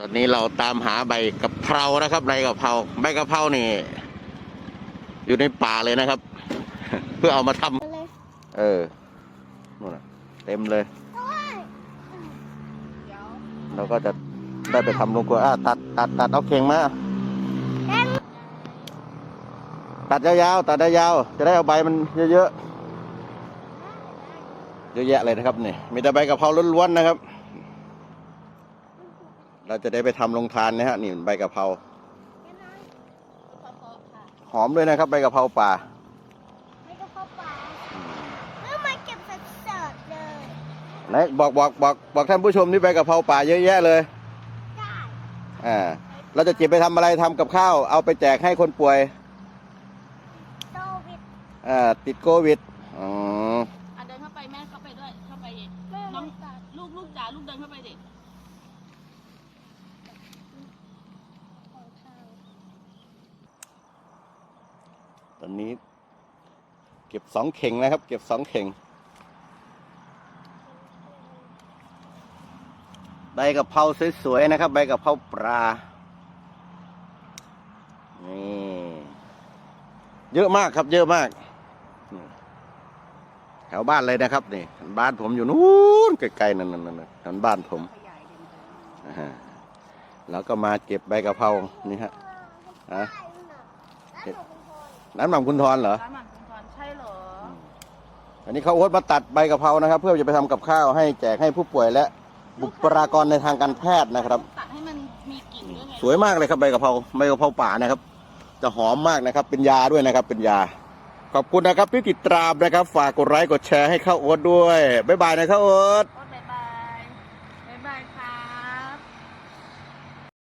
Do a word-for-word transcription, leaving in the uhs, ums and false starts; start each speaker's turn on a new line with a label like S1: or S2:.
S1: ตอนนี้เราตามหาใบกะเพรานะครับใบกะเพราใบกะเพรานี่อยู่ในป่าเลยนะครับ เพื่อเอามาทำเออนู่นน่ะเต็มเลยเราก็จะได้ไปทำลงครัวอ่ะตัดตัดตัดเอาเข่งมาตัดยาวๆตัดยาวๆจะได้เอาใบมันเยอะๆเยอะแยะเลยนะครับนี่มีแต่ใบกะเพราล้วนๆนะครับเราจะได้ไปทำลงทานนะฮะนี่ใบกะเพราหอมด้วยนะครับใบกะเพราป่า
S2: ใบกะเพราป่าเมื่อมาเก็บสดๆเลย
S1: ไหนบอกบอกบอกบอกท่านผู้ชมนี่ใบกะเพราป่าเยอะแยะเลย
S2: ได้
S1: อ่าเราจะเก็บไปทำอะไรทำกับข้าวเอาไปแจกให้คนป่วย
S2: โควิด
S1: อ่าติดโควิดอ๋อ
S3: อ่ะเดินเข้าไปแม่เข้าไปด้วยเข้าไปน้องลูกลูกจ๋าลูกเดินเข้าไปดิ
S1: ตอนนี้เก็บสองเข่งนะครับเก็บสองเข่งใบกะเพราสวยๆนะครับใบกะเพราปลานี่เยอะมากครับเยอะมากแถวบ้านเลยนะครับนี่บ้านผมอยู่นู้นไกลๆนั่นนั่นนั่นบ้านผมแล้วก็มาเก็บใบกะเพรานี่ฮะฮะน้ำหม่ำคุณทรเหรอ
S3: น้ำหม่ำคุณทรใช่เหรอ
S1: อันนี้เขาโอ๊ตมาตัดใบกะเพรานะครับเพื่อจะไปทำกับข้าวให้แจกให้ผู้ป่วยและบุคลากรในทางการแพทย์นะครับ
S3: ตัดให้มันมีกลิ่นด้วยไง
S1: สวยมากเลยครับใบกะเพราใบกะเพราป่านะครับจะหอมมากนะครับเป็นยาด้วยนะครับเป็นยาขอบคุณนะครับที่ติดตามนะครับฝากกดไลค์กดแชร์ให้ข้าวโอ๊ตด้วยบ๊ายบายนะข้าวโอ๊ต